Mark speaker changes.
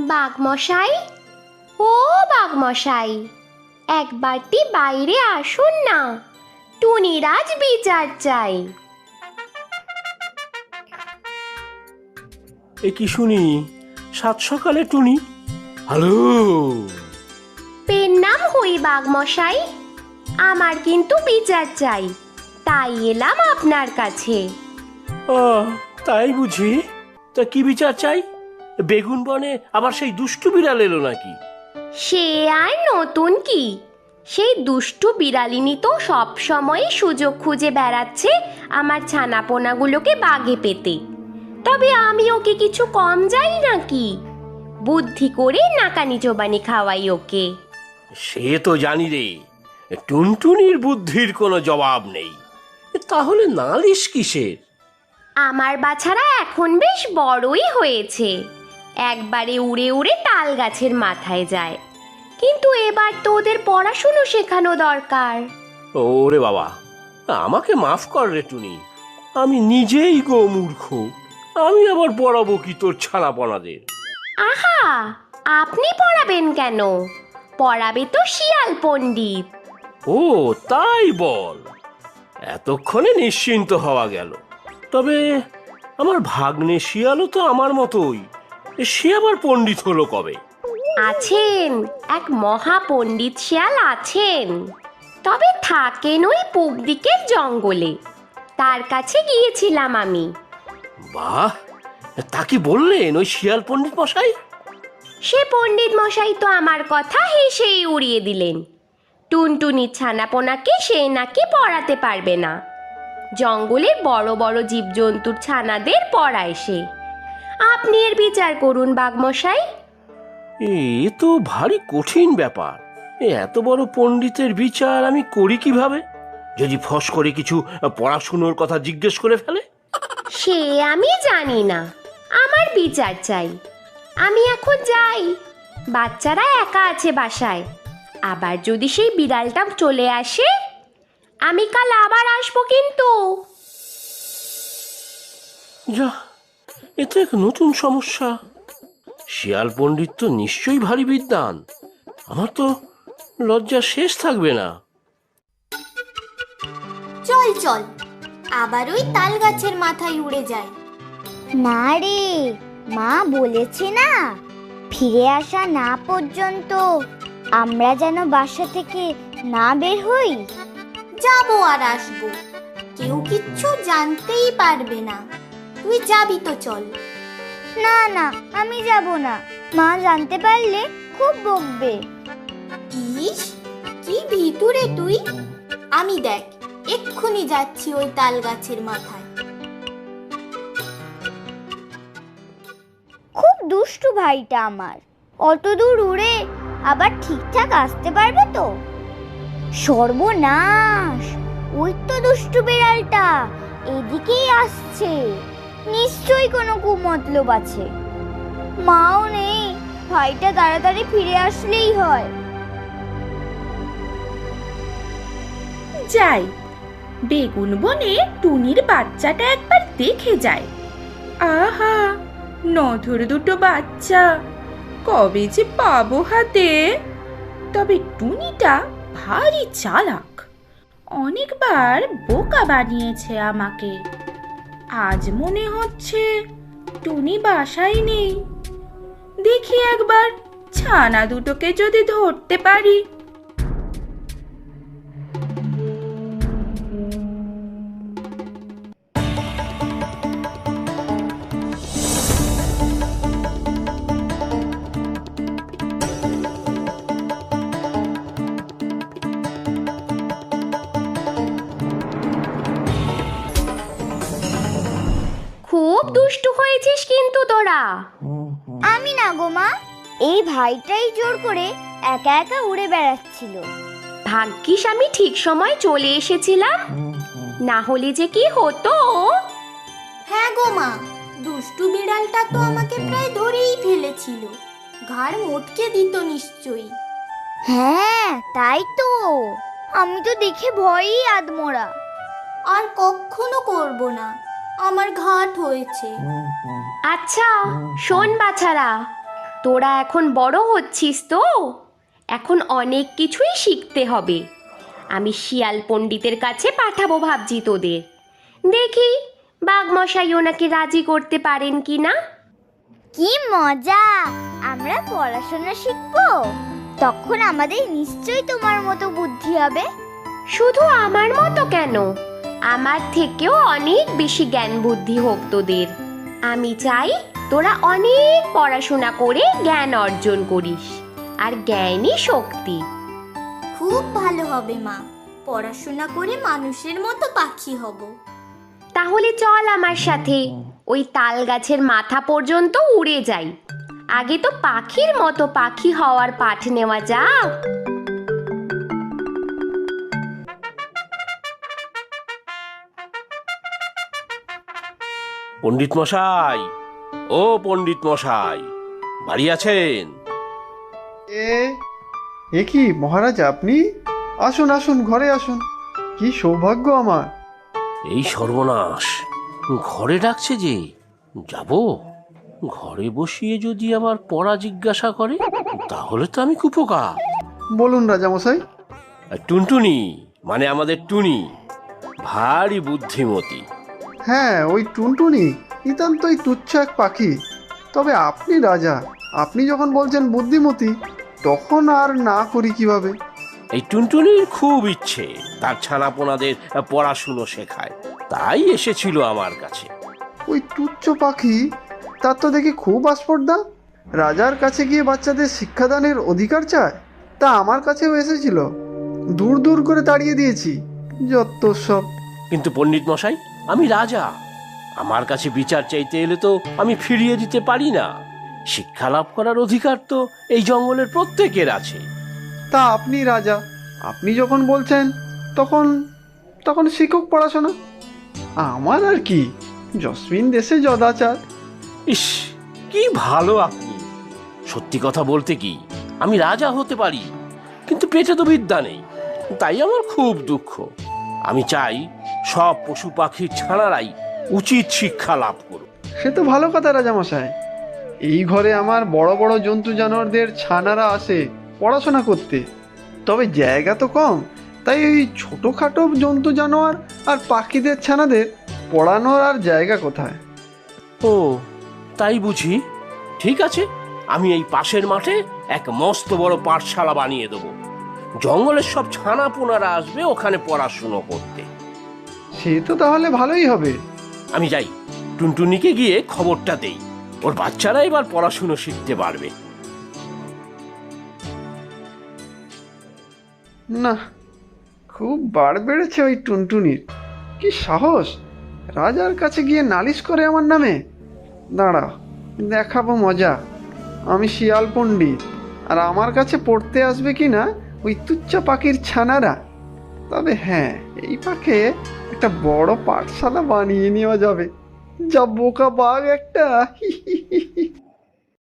Speaker 1: বাঘমশাই, ও বাঘমশাই, একবারটি বাইরে আসুন না, টুনির আজ বিচার চাই।
Speaker 2: এ কি শুনি, সাত সকালে টুনি? হ্যালো।
Speaker 1: পেন নাম হই বাঘমশাই, আমার কিন্তু বিচার চাই, তাই এলাম আপনার কাছে।
Speaker 2: তাই বুঝি? তা কি বিচার চাই? বেগুন বনে আবার সেই দুষ্টু বিড়াল এলো নাকি?
Speaker 1: সে আর নতুন কি, সেই দুষ্টু বিড়ালিনী তো সব সময় সুযোগ খুঁজে বেড়াচ্ছে আমার ছানাপোনাগুলোকে বাগে পেতে। তবে আমি ওকে কিছু কম যাই নাকি, বুদ্ধি করে নাকানি চোবানি খাওয়াই ওকে।
Speaker 2: সে তো জানি রে, টুনটুনির বুদ্ধির কোনো জবাব নেই। তাহলে নালিশ কিসের?
Speaker 1: আমার বাছারা এখন বেশ বড়ই হয়েছে, একবারে উড়ে উড়ে তাল গাছের মাথায় যায়, কিন্তু এবার তো ওদের পড়াশুনো শেখানো দরকার।
Speaker 2: ওরে বাবা, আমাকে মাফ কর রে টুনি, আমি নিজেই গো মূর্খ। আমি আবার পড়াবো কি তোর ছানাপনাদের?
Speaker 1: আহা, আপনি পড়াবেন কেন? পড়াবে তো শিয়াল পণ্ডিত।
Speaker 2: ও তাই বল, এতক্ষণে নিশ্চিন্ত হওয়া গেল। তবে আমার ভাগ্নে শিয়ালও তো আমার মতোই, সে আবার পণ্ডিত হলো কবে?
Speaker 1: আছেন, এক মহা পণ্ডিত শিয়াল আছেন, তবে থাকেন ওই পূব দিকের জঙ্গলে, তার কাছে গিয়েছিলাম আমি।
Speaker 2: বাহ, তা কি বললেন ওই শিয়াল পণ্ডিত মশাই?
Speaker 1: সে পণ্ডিত মশাই তো আমার কথা হেসেই উড়িয়ে দিলেন, টুনটুনির ছানাপোনাকে সে নাকি পড়াতে পারবে না, জঙ্গলের বড় বড় জীবজন্তুর ছানাদের পড়ায় সে। আপনি এর বিচার করুন বাঘমশাই।
Speaker 2: এ তো ভারী কঠিন ব্যাপার। এত বড় পণ্ডিতের বিচার আমি করি কিভাবে? যদি ফস করে কিছু পড়াশুনোর কথা জিজ্ঞেস করে ফেলে?
Speaker 1: সে আমি জানি না, আমার বিচার চাই। আমি এখন যাই, বাচ্চারা একা আছে বাসায়, আবার যদি সেই বিড়ালটা চলে আসে, আমি কাল আবার আসবো কিন্তু।
Speaker 2: যা, এ তো এক নতুন সমস্যা। শিয়াল পণ্ডিত তো নিশ্চয়ই ভারী বিদ্বান, আমার তো লজ্জা শেষ থাকবে না।
Speaker 3: চল চল, আবার ওই তাল গাছের মাথায় উড়ে যায়।
Speaker 4: না রে, মা বলেছে না, ফিরে আসা না পর্যন্ত আমরা যেন বাসা থেকে না বের হই।
Speaker 3: যাবো আর আসবো, কেউ কিচ্ছু জানতেই পারবে না। তুই যাবি তো চল।
Speaker 4: না না, আমি যাব না, মা জানতে পারলে খুব বকবে।
Speaker 3: ইস, কি ভিতুরে তুই! আমি দেখ, এক্ষুনি যাচ্ছি ওই তাল গাছের মাথায়।
Speaker 4: খুব দুষ্টু ভাইটা আমার, অত দূর উড়ে আবার ঠিকঠাক আসতে পারবে তো? সর্বনাশ, ওই তো দুষ্টু বিড়ালটা এদিকেই আসছে, নিশ্চয়ই কোনো কুমতলব আছে। মাও নেই, ভাইটা তাড়াতাড়ি ফিরে আসলেই হয়।
Speaker 5: যাই, বেগুন বনে টুনির বাচ্চাটা একবার দেখে যায়। আহা, নধর দুটো বাচ্চা, কবে যে পাবো হাতে। তবে টুনিটা ভারী চালাক, অনেকবার বোকা বানিয়েছে আমাকে। আজ মনে হচ্ছে টুনি বাসায় নেই, দেখি একবার ছানা দুটোকে যদি ধরতে পারি।
Speaker 1: খুব দুষ্টু হয়েছিস কিন্তু তোরা।
Speaker 4: আমি না গো মা, এই ভাইটাই জোর করে একা একা উড়ে বেড়াচ্ছিল।
Speaker 1: ভাগ্যিস আমি ঠিক সময় চলে এসেছিলাম, না হলে যে কি হতো।
Speaker 3: হ্যাঁ গো মা, দুষ্টু বিড়ালটা তো আমাকে প্রায় ধরেই ফেলেছিল, ঘাড় মোটকে দিত নিশ্চয়ই।
Speaker 4: হ্যাঁ তাই তো, আমি তো দেখে ভয়ই আদমোরা।
Speaker 3: আর কখনো করব না, আমার ঘাট হয়েছে।
Speaker 1: আচ্ছা শোন বাছারা, তোরা এখন বড় হচ্ছিস তো, এখন অনেক কিছুই শিখতে হবে। আমি শিয়াল পণ্ডিতের কাছে পাঠাবো ভাবছি তোদের। দেখি বাঘমশাই ওনাকে রাজি করতে পারেন কি না।
Speaker 4: কি মজা! আমরা পড়াশোনা শিখবো, তখন আমাদের নিশ্চয়ই তোমার মতো বুদ্ধি হবে।
Speaker 1: শুধু আমার মতো কেন, আমার থেকেও অনেক বেশি জ্ঞান বুদ্ধি হোক তোদের। আমি চাই তোরা অনেক পড়াশোনা করে জ্ঞান অর্জন করিস, আর জ্ঞানই শক্তি।
Speaker 3: খুব ভালো হবে মা, পড়াশোনা করে মানুষের মতো পাখি হব।
Speaker 1: তাহলে চল আমার সাথে, ওই তাল গাছের মাথা পর্যন্ত উড়ে যাই। আগে তো পাখির মতো পাখি হওয়ার পাঠ নেওয়া যাক।
Speaker 2: পণ্ডিত মশাই, ও পণ্ডিত মশাই, বাড়ি আছেন?
Speaker 6: এ এ কি মহারাজ, আপনি আসুন আসুন, ঘরে আসুন। কি সৌভাগ্য আমার।
Speaker 2: এই সর্বনাশ, ঘরে ডাকছে যে, যাব? ঘরে বসিয়ে যদি আবার পড়া জিজ্ঞাসা করে, তাহলে তো আমি কুপোকা।
Speaker 6: বলুন রাজামশাই।
Speaker 2: টুনটুনি, মানে আমাদের টুনি, ভারী বুদ্ধিমতী।
Speaker 6: হ্যাঁ, ওই টুনটুনি নিতান্তই তুচ্ছ এক পাখি। তবে আপনি রাজা, আপনি যখন বলছেন বুদ্ধিমতী, তখন আর না করি কিভাবে?
Speaker 2: এই টুনটুনির খুব ইচ্ছে তার ছানাপোনাদের পড়াশুনো শেখায়, তাই এসেছিল আমার কাছে।
Speaker 6: ওই তুচ্ছ পাখি, তার তো দেখি খুব আস্পর্ধা। রাজার কাছে গিয়ে বাচ্চাদের শিক্ষাদানের অধিকার চায়। তা আমার কাছেও এসেছিল, দূর দূর করে তাড়িয়ে দিয়েছি। যত সব।
Speaker 2: কিন্তু পণ্ডিত মশাই, আমি রাজা, আমার কাছে বিচার চাইতে এলে তো আমি ফিরিয়ে দিতে পারি না। শিক্ষা লাভ করার অধিকার তো এই জঙ্গলের প্রত্যেকের আছে।
Speaker 6: তা আপনি রাজা, আপনি যখন বলছেন, তখন তখন শিক্ষক পড়াশোনা। আমার আর কি, জসমিন দেশে যদাচার।
Speaker 2: ইস, কি ভালো আপনি! সত্যি কথা বলতে কি, আমি রাজা হতে পারি, কিন্তু পেটে তো বিদ্যা নেই। তাই আমার খুব দুঃখ। আমি চাই সব পশু পাখির ছানারাই উচিত শিক্ষা লাভ করুক।
Speaker 6: সে তো ভালো কথা রাজামশাই। এই ঘরে আমার বড় বড় জন্তু জানোয়ারদের ছানারা আসে পড়াশোনা করতে, তবে জায়গা তো কম। তাই ওই ছোটোখাটো জন্তু জানোয়ার আর পাখিদের ছানাদের পড়ানোর আর জায়গা কোথায়?
Speaker 2: ও, তাই বুঝি? ঠিক আছে, আমি এই পাশের মাঠে এক মস্ত বড় পাঠশালা বানিয়ে দেবো। জঙ্গলের সব ছানাপোনারা আসবে ওখানে পড়াশুনো করতে।
Speaker 6: সে তো তাহলে ভালোই হবে।
Speaker 2: আমি যাই, টুনটুনিকে গিয়ে খবরটা দেই, ওর বাচ্চারা এবার পড়াশুনো শিখতে পারবে।
Speaker 6: না, খুব বাড় বেড়েছে ওই টুনটুনির। কি সাহস, রাজার কাছে গিয়ে নালিশ করে আমার নামে। দাঁড়া, দেখাবো মজা। আমি শিয়াল পণ্ডিত, আর আমার কাছে পড়তে আসবে কি না ওই তুচ্ছা পাখির ছানারা। তবে হ্যাঁ, এই পাখে একটা বড় পাঠশালা বানিয়ে নেওয়া যাবে। যা বোকা বাঘ একটা।